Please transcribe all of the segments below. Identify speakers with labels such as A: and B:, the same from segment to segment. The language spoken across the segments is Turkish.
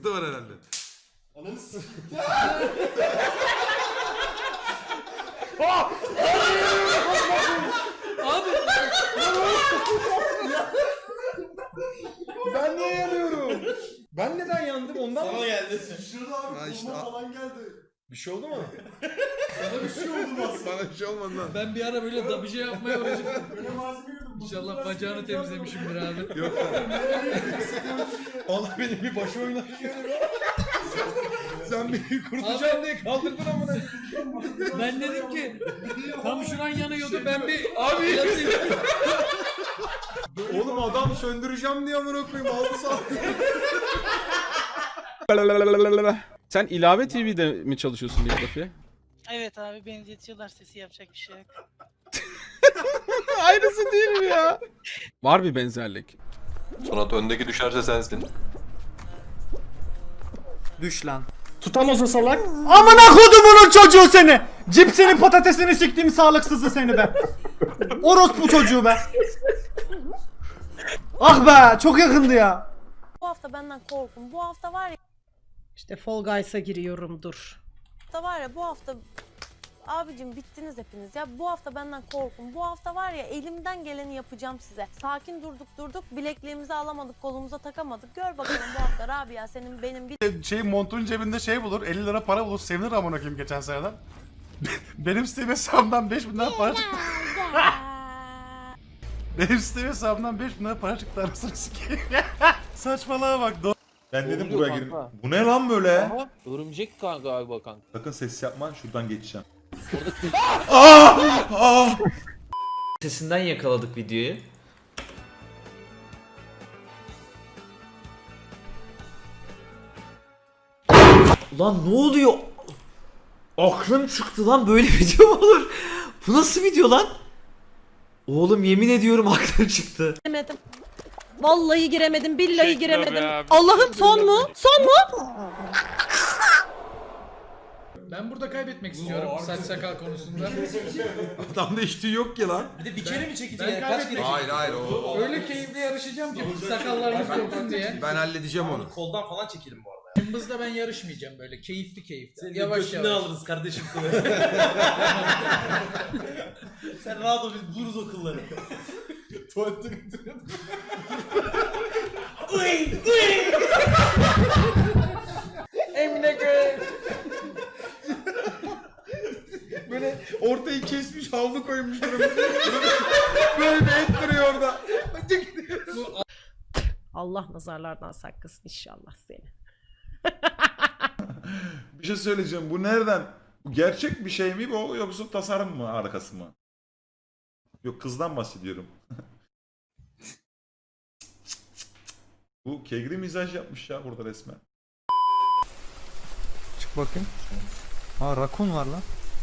A: sıkıntı var herhalde.
B: Ananı s***.
C: Abi.
D: Ben niye yanıyorum? Ben neden yandım ondan mı?
B: Sana geldi. Şurada abi
A: Ha işte,
B: kurma falan geldi.
D: Bir şey oldu mu?
B: Sana bir şey oldu aslında.
A: Bana bir şey olmadı lan.
C: Ben bir ara böyle da bir şey yapmaya uğraşıyorum.
B: Böyle malzeme yedim.
C: İnşallah bacağını temizlemişimdir abi.
A: Yok.
D: Allah benim bir başım oynaşıyor. Sen beni kurtulacağım diye kaldırdın amına.
C: Ben dedim ki tam şuran yanıyordu ben bir
D: Abi.
C: yatayım.
D: Oğlum adam söndüreceğim diye amına koyayım aldı sağ.
E: Sen ilave TV'de mi çalışıyorsun Diyografiye?
F: Evet abi benzetiyorlar sesi yapacak bir şey yok.
E: Aynısı değil mi ya? Var bir benzerlik.
G: Sonat öndeki düşerse sensin.
H: Düş lan. Tutamaz o salak. Amına kodumunun çocuğu seni. Cipsinin patatesini siktiğim sağlıksızı seni be. Orospu çocuğu be. Ah be çok yakındı ya.
I: Bu hafta benden korkun. Bu hafta var ya.
J: İşte Fall Guys'a giriyorum dur.
I: Bu hafta abicim bittiniz hepiniz ya. Bu hafta benden korkun. Bu hafta var ya elimden geleni yapacağım size. Sakin durduk bilekliğimizi alamadık kolumuza takamadık. Gör bakalım bu hafta Rabia senin benim bir
B: Montun cebinde bulur 50 lira para bulur sevinir amına koyayım geçen seneden. Benim Steam hesabımdan 5000 lira para çıktı. Benim Steam hesabımdan 5000 lira para çıktı arasını sikeyim. Saçmalığa bak.
D: Ben dedim buraya gireyim. Bu ne lan böyle?
C: Örümcek galiba kanka.
D: Sakın ses yapma şuradan geçeceğim.
H: Sesinden yakaladık videoyu. Lan ne oluyor? Aklım çıktı lan böyle video mu olur? Bu nasıl video lan? Oğlum yemin ediyorum aklım çıktı.
J: Giremedim. Vallahi giremedim, billahi giremedim. Allah'ım son mu? Son mu?
C: Ben burada kaybetmek istiyorum saç sakal konusunda.
A: Adamda hiç tüy yok ki lan.
H: Bir de bir kere mi çekeceğiz?
C: Ben kaybetmek
A: Hayır o.
C: Öyle keyifli yarışacağım ki sakallarımız kopsun diye.
A: Ben halledeceğim onu.
H: Koldan falan çekelim bu arada.
C: Cımbızda ben yarışmayacağım böyle keyifli. Yavaş yavaş.
H: alırız kardeşim Sen rahat ol biz buluruz o kılları.
B: Tuvalete götürüyordum.
C: Emine göğe.
D: Böyle ortayı kesmiş havlu koymuş durumda. Böyle bir et duruyor orada.
J: Allah nazarlardan saklasın inşallah seni.
D: Bir şey söyleyeceğim. Bu nereden? Bu gerçek bir şey mi bu yoksa tasarım mı arkası mı? Yok kızdan bahsediyorum. Bu kegri mizaj yapmış ya burada resmen.
H: Çık bakayım. Aa rakun var lan.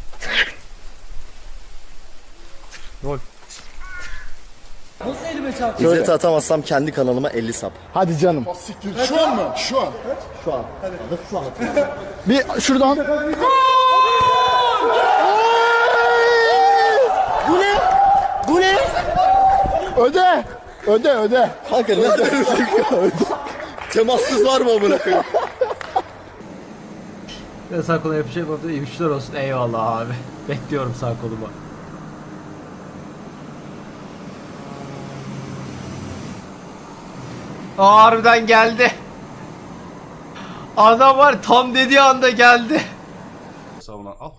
H: Rol.
J: Nasıl elime çarptı?
B: İzzet atamazsam kendi kanalıma 50 sap.
H: Hadi canım.
B: Şu an mı? Şu an.
H: Şu an.
B: Şu an. Bir şuradan. Bu ne? Bu ne? Öde. Öde. Kanka ne öde? Temassız var mı amına koyayım?
H: Sağ kola yapacak oldu. İyi güçler olsun. Eyvallah abi. Bekliyorum sağ koluma. Harbiden geldi. Adam var tam dediği anda geldi.
B: Savunan al.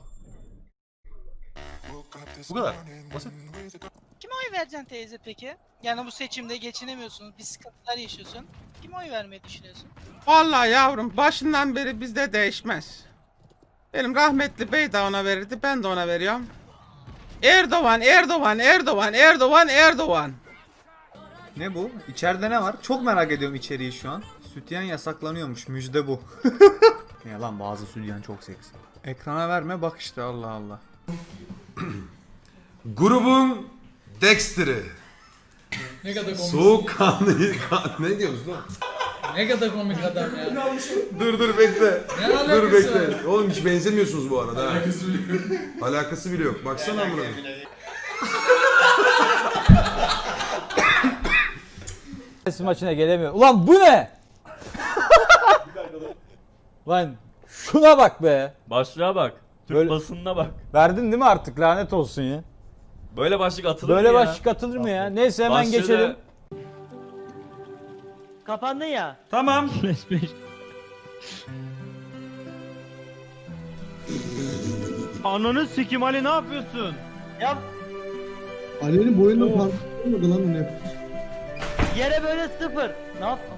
B: Bu kadar. Basit.
F: Kime oy vereceksin teyze peki? Yani bu seçimde geçinemiyorsun, bir sıkıntılar yaşıyorsun. Kime oy vermeyi düşünüyorsun?
E: Vallahi yavrum başından beri bizde değişmez. Benim rahmetli bey de ona verirdi ben de ona veriyorum. Erdoğan.
H: Ne bu? İçeride ne var? Çok merak ediyorum içeriği şu an. Sütyen yasaklanıyormuş. Müjde bu. Ya lan bazı sütyen çok seksi. Ekrana verme bak işte Allah Allah.
A: Grubun Dexter'ı.
C: Ne kadar komik.
A: Soğukkanlı. Ne diyorsunuz lan?
C: Ne kadar komik adam ya.
A: Dur bekle.
C: Ne alakası
A: Dur bekle.
C: var?
A: Oğlum hiç benzemiyorsunuz bu arada. Alakası bile yok. Baksana amına.
H: Maçına gelemiyor. Ulan bu ne?
C: Lan şuna bak be.
K: Başlığa bak. Türk
C: Böyle-
K: basınına bak.
C: Verdin değil mi artık, lanet olsun ya.
K: Böyle başlık atılır
C: Böyle
K: mı ya?
C: başlık atılır mı ya? Neyse hemen
K: Başlığı da-
C: geçelim.
J: Kapandın ya.
K: Tamam.
C: Ananı sikim Ali, ne yapıyorsun?
J: Ya
B: Ali'nin boyundan parmak olmadı lan onu yap.
J: yere böyle sıfır. Ne yaptın?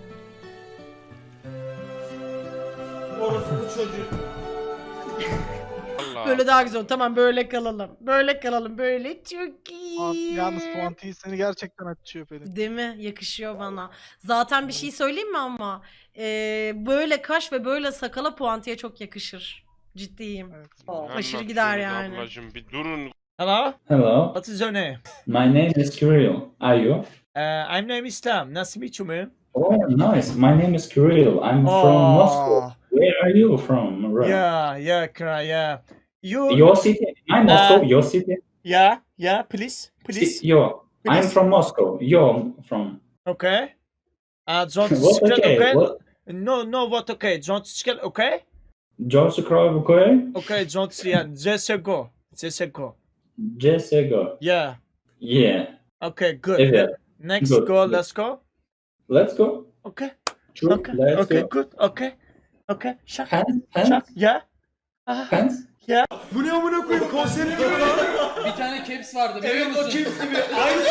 J: Böyle daha güzel. Tamam böyle kalalım. Böyle kalalım. Böyle çok iyi.
F: Yalnız puantiyi seni gerçekten açıyor Pelin.
J: Değil mi? Yakışıyor bana. Zaten bir şey söyleyeyim mi ama? Böyle kaş ve böyle sakala puantiye çok yakışır. Ciddiyim. Aşırı gider yani.
G: Bir durun.
C: Hello.
K: Hello.
C: What is your name?
K: My name is Kirill. Are you?
C: I'm name is Tam. Nice to meet you, man.
K: Oh, nice. My name is Kirill. I'm from Moscow. Where are you from? Right.
C: Yeah. You.
K: Your city? I'm Moscow. Your city?
C: Yeah, please.
K: Yo. I'm from Moscow. You're from.
C: Okay. Don't
K: What okay? What?
C: No, what okay? Don't scale, okay?
K: George Kroy?
C: Okay, don't, yeah, just go.
K: CSGO.
C: Yeah.
K: Yeah.
C: Okay, good.
K: Evet.
C: Next
K: Good.
C: go, let's go.
K: Let's go.
C: Okay.
K: Sure.
C: Okay.
K: Let's
C: Okay,
K: go.
C: good. Okay. Shut.
K: Hands.
C: Yeah.
K: Hands.
A: Bu ne amına koyayım konseri gibi.
C: Bir tane caps vardı biliyor musun? Evet, o caps gibi.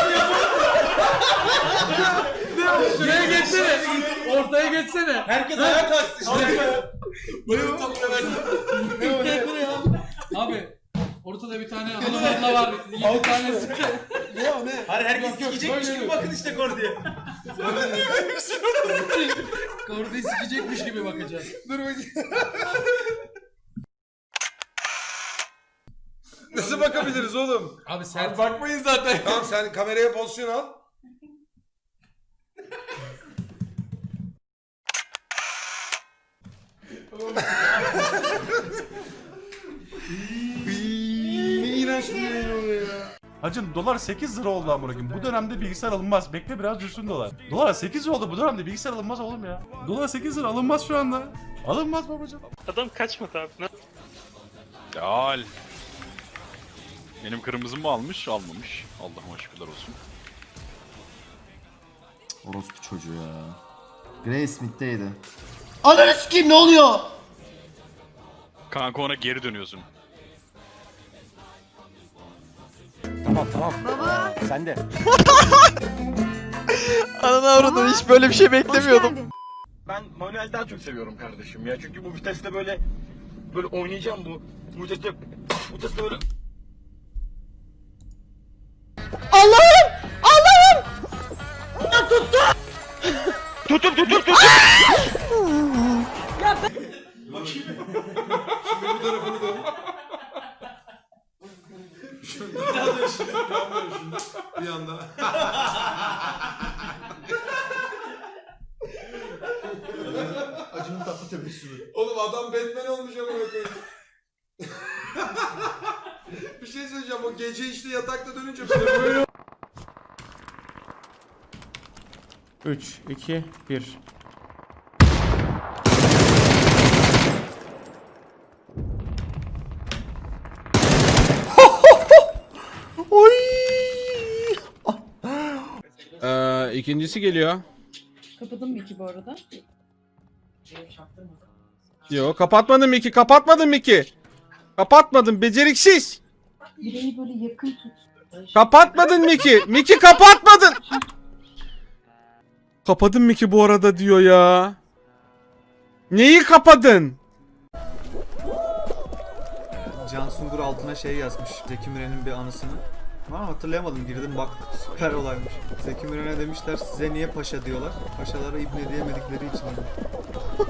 C: Şuraya geçsene. Ortaya geçsene. Herkes ayağa kalksın işte.
A: Bayılım topla verdim.
C: Abi ortada bir tane hanım var. 7 tane sıkı.
A: Ne?
C: Hayır, herkes sikecekmiş gibi bakın işte Kordi'ye. Kordi'yi sikecekmiş gibi bakacağız.
A: Dur bakayım. Nasıl bakabiliriz oğlum?
C: Abi sert bakmayın zaten.
A: Tamam sen kameraya pozisyon al. Ne iğrenç bir yayın oluyor ya.
D: Hacım dolar 8 lira oldu amına koyayım. Bu dönemde bilgisayar alınmaz. Bekle biraz düşsün dolar. Dolar 8 lira oldu bu dönemde bilgisayar alınmaz oğlum ya. Dolar 8 lira alınmaz şu anda. Alınmaz babacığım.
G: Adam kaçmadı abi. Al. Benim kırmızımı almış, almamış. Allah'ıma şükürler olsun.
B: Orospu çocuğu ya. Gray Smith'teydi. Ananı sikeyim, ne oluyor?
G: Kanka ona geri dönüyorsun.
B: Tamam. Sen de.
F: Ananı avradın, hiç böyle bir şey beklemiyordum.
B: Ben manuel daha çok seviyorum kardeşim ya. Çünkü bu viteste böyle oynayacağım bu viteste böyle.
J: Allah'ım!
A: Tutum.
J: Ya ben...
A: Şimdi bu tarafını dön. Bir anda.
B: Acının tatlı tebessümü.
A: Oğlum adam Batman olmuş ama koyayım. Bir şey söyleyeceğim, o gece işte yatakta dönünce böyle
C: 3, 2, 1. İkincisi geliyor.
J: Kapadın mı ki bu arada?
E: Yo, kapatmadım Miki, kapatmadım, beceriksiz.
J: Bireyi böyle yakın tut.
E: Kapatmadın Miki kapatmadın. Kapadın Miki bu arada diyor ya. Neyi kapadın?
H: Can Sungur altına şey yazmış. Zeki Müren'in bir anısını. Ama hatırlayamadım, girdim bak süper olaymış. Zeki Müren'e demişler size niye paşa diyorlar. Paşalara ibne diyemedikleri için.